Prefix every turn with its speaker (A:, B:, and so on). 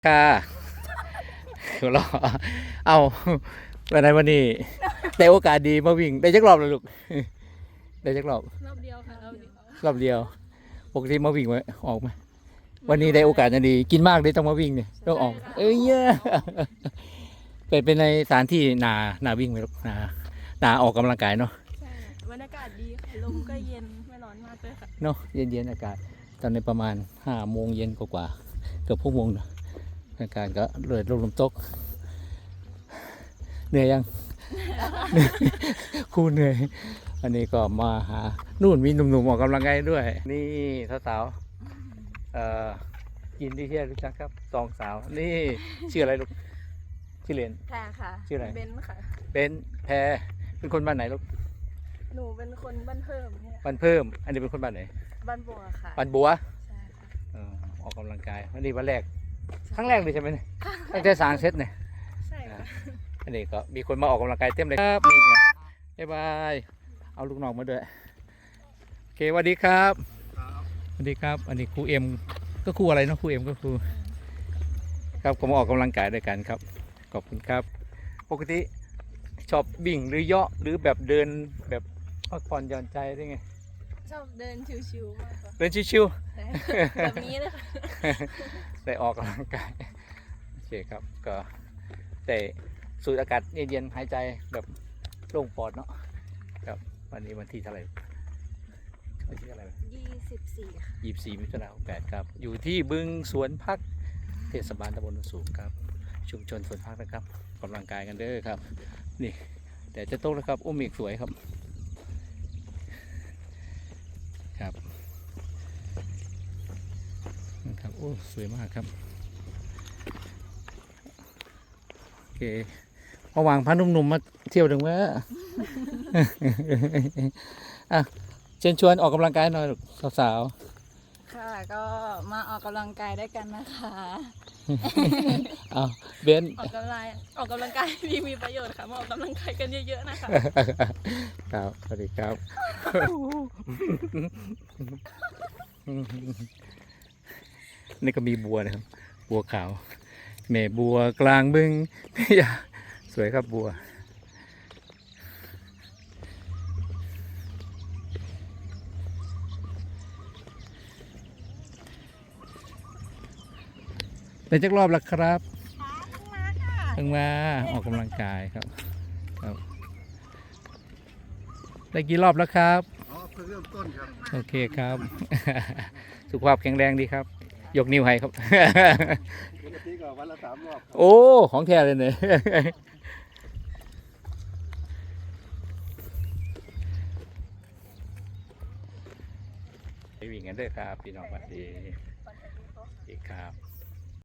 A: ค่ะหัวเราะเอาวันนี้แต่โอกาสดีมาวิ่งได้จักรอบเลยลูกได้จักรอบ
B: รอบเดียวค่ะรอบเดียว
A: รอบเดียวปกติมาวิ่งไว้ออกไหมวันนี้ได้โอกาสดีกินมากเลยต้องมาวิ่งเนี่ยต้องออกเอ้ยเนี่ยเป็นในสถานที่นาวิ่งไหมลูกนาออกกำลังกายเนาะ
B: ใช่บรรยากาศดีค่ะลมก็เย็นไม่ร้อนมากเลยค่ะ
A: เนาะเย็นอากาศตอนในประมาณ5 โมงเย็นกว่าเกือบ6 โมงเนาะอากาศก็เลยลมตกเหนื่อยยัง ครูเหนื่อยอันนี้ก็มาหานู่นมีหนุ่มๆออกกำลังกายด้วยนี่สาวๆยินดีที่ได้รู้จักครับสองสาวนี่ชื่ออะไรลูกชื่อเล่น
B: แพรค่ะ
A: ชื่ออะไร
B: เบนค่ะ
A: เป็นแพรเป็นคนบ้านไหนลูก
B: หนูเป็นคนบ้านเพิ่มเนี่ย
A: บ้านเพิ่มอันนี้เป็นคนบ้านไหน
B: บ้านบัวค่ะ
A: บ้านบัว
B: ใช่ค่ะ
A: ออกกำลังกายวันนี้วันแรกครั้งแรกเลยใช่ไหมเนี่ยตั้งแต่สร้างเซตเนี่ย
B: ใช่ค่ะ
A: อันนี้ก็มีคนมาออกกำลังกายเต็มเลยครับนี่ไงบ๊ายบายเอาลูกน้องมาด้วยโอเคสวัสดีครับสวัสดีครับอันนี้ครูเอ็มก็ครูอะไรเนาะครูเอ็มก็ครูครับก็มาออกกำลังกายด้วยกันครับขอบคุณครับปกติชอบวิ่งหรือเยาะหรือแบบเดินแบบพักผ่อนหย่อนใจได้ไง
B: ชอบเดินชิวๆมากกว่า
A: เดินชิว
B: ๆแบบนี้เลยค่ะ
A: ๆได้ออกกำลังกายโอเคครับก็แต่สูดอากาศเย็นๆหายใจแบบโล่งปอดเนาะครับวันนี้วันที่เท่าไหร่วันที่เท่าไหร่
B: 24ค่ะ
A: 24 มิถุนายน 68ครับอยู่ที่บึงสวนพักเทศบาลตำบลโนนสูงครับชุมชนสวนพักนะครับกำลังกายกันเด้อครับนี่แต่จะโต๊ะนะครับอุ้มอีกสวยครับครับนะครับโอ้สวยมากครับโอเคระหว่างพาหนุ่มๆมาเที่ยวถึงว่าอ่ะเชิญชวนออกกำลังกายหน่อยสาว
B: ค่ะก็มาออกกำลังกายด้วยกันนะคะ
A: ๆเอาเบน
B: ออกกำลังกายมีประโยชน์ค่ะมาออกกำลังกายกันเยอะๆนะคะ
A: ครับสวัสดีครับนี่ก็มีบัวนะครับบัวขาวแม่บัวกลางบึงอย่าสวยครับบัวเป็นจักรอบแล้วครับเพิ่งมาออกกำลังกายครับได้กี่รอบแล้วครับ
C: อ๋อเพิ่งเริ่มต้นครับ
A: โอเคครับ สุขภาพแข็งแรงดีครับยกนิ้วให้ครับ
C: ปกติก็วันละ3 รอบ
A: โอ้ของแท้เลยเนี่ยไปวิ่งกันด้วยครับพี่น้องสวัสดีครับ